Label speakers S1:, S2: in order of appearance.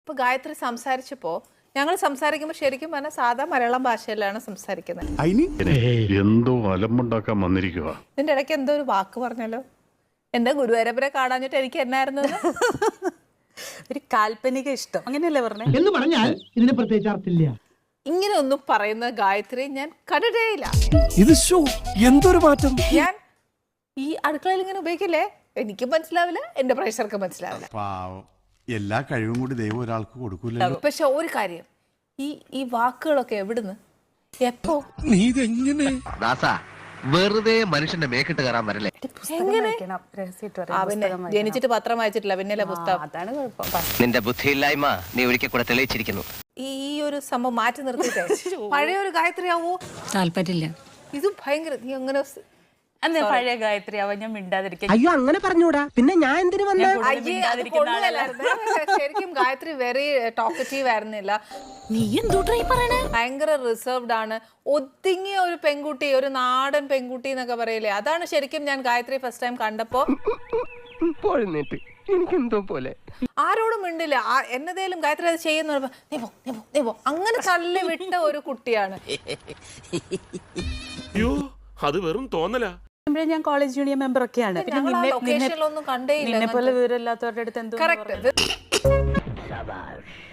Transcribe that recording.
S1: ഇപ്പൊ ഗായത്രി സംസാരിച്ചപ്പോ ഞങ്ങൾ സംസാരിക്കുമ്പോൾ ശരിക്കും പറഞ്ഞാൽ സാധാ മലയാളം ഭാഷയിലാണ് സംസാരിക്കുന്നത്.
S2: എന്തോ അലമ്പുണ്ടാക്കാൻ വന്നിരിക്കുക.
S1: ഇതിന്റെ ഇടയ്ക്ക് എന്തോ ഒരു വാക്ക് പറഞ്ഞല്ലോ, എന്താ ഗുരുവായൂരപ്പനെ കാണാഞ്ഞിട്ട് എനിക്ക് എന്നായിരുന്നു
S3: ഒരു കാൽപ്പനിക ഇഷ്ടം അങ്ങനെയല്ലേ പറഞ്ഞേ
S4: എന്ന് പറഞ്ഞാൽ ഇതിന് പ്രത്യേകിച്ച് അർത്ഥമില്ല.
S1: ഇങ്ങനെ ഒന്നും പറയുന്ന ഗായത്രി ഞാൻ കണ്ടിട്ടേയില്ല.
S5: ഇത് എന്തൊരു മാറ്റം!
S1: ഞാൻ ഈ അടുക്കളയിൽ ഇങ്ങനെ ഉപയോഗിക്കില്ലേ, എനിക്ക് മനസ്സിലാവില്ല, എന്റെ പ്രേക്ഷകർക്ക് മനസ്സിലാവില്ല.
S6: എല്ലാ കഴിവും കൂടി ദൈവം ഒരാൾക്ക് കൊടുക്കൂല.
S1: പക്ഷെ ഒരു കാര്യം, ഈ വാക്കുകളൊക്കെ എവിടുന്ന് എപ്പോ
S7: വെറുതെ മനുഷ്യന്റെ മേക്കിട്ട് കയറാൻ വരല്ലേ?
S1: പിന്നെ ജനിച്ചിട്ട് പത്രം വായിച്ചിട്ടില്ല, പിന്നല്ലേ പുസ്തകം.
S3: അതാണ് കുഴപ്പം.
S7: നിന്റെ ബുദ്ധിയില്ലായ്മ നീ ഒരിക്കൽ കൂടെ തെളിയിച്ചിരിക്കുന്നു.
S1: ഈ ഒരു സംഭവം മാറ്റി നിർത്തിയിട്ടേ പഴയ ഒരു ഗായത്രി ആവോ?
S3: താല്പര്യമില്ല.
S1: ഇത് ഭയങ്കര നീ അങ്ങനെ
S3: അന്ന് പഴയ ഗായത്രി ആവാൻ ഞാൻ മിണ്ടാതിരിക്കും.
S4: അയ്യോ അങ്ങനെ പറഞ്ഞൂടാ, പിന്നെ ഞാൻ എന്തിനു വന്ന
S1: ശരിക്കും ഗായത്രി വെരി ടോക്കറ്റീവ് ആയിരുന്നില്ല.
S3: നീ എന്തോട്ടാ ഈ പറയണേ?
S1: ഭയങ്കര റിസർവ്ഡ് ആണ്, ഒതുങ്ങിയ ഒരു പെൺകുട്ടി, ഒരു നാടൻ പെൺകുട്ടി എന്നൊക്കെ പറയില്ലേ. അതാണ് ശരിക്കും ഞാൻ ഗായത്രി ഫസ്റ്റ് ടൈം കണ്ടപ്പോ
S7: എനിക്കെന്തോ പോലെ
S1: ആരോടും മിണ്ടില്ല. എന്നതേലും ഗായത്രി അത് ചെയ്യുന്ന നീ പോ അങ്ങനെ തള്ളി വിട്ട ഒരു കുട്ടിയാണ്.
S5: അയ്യോ, അത് വെറും തോന്നലാ.
S3: ഞാൻ കോളേജ് യൂണിയൻ മെമ്പർ ഒക്കെയാണ്.
S1: ലൊക്കേഷനിലൊന്നും കണ്ടേ ഇല്ല.
S3: നിന്നെ പോലെ വിവരമില്ലാത്തവരുടെ അടുത്ത് എന്തോ
S1: കറക്റ്റ്.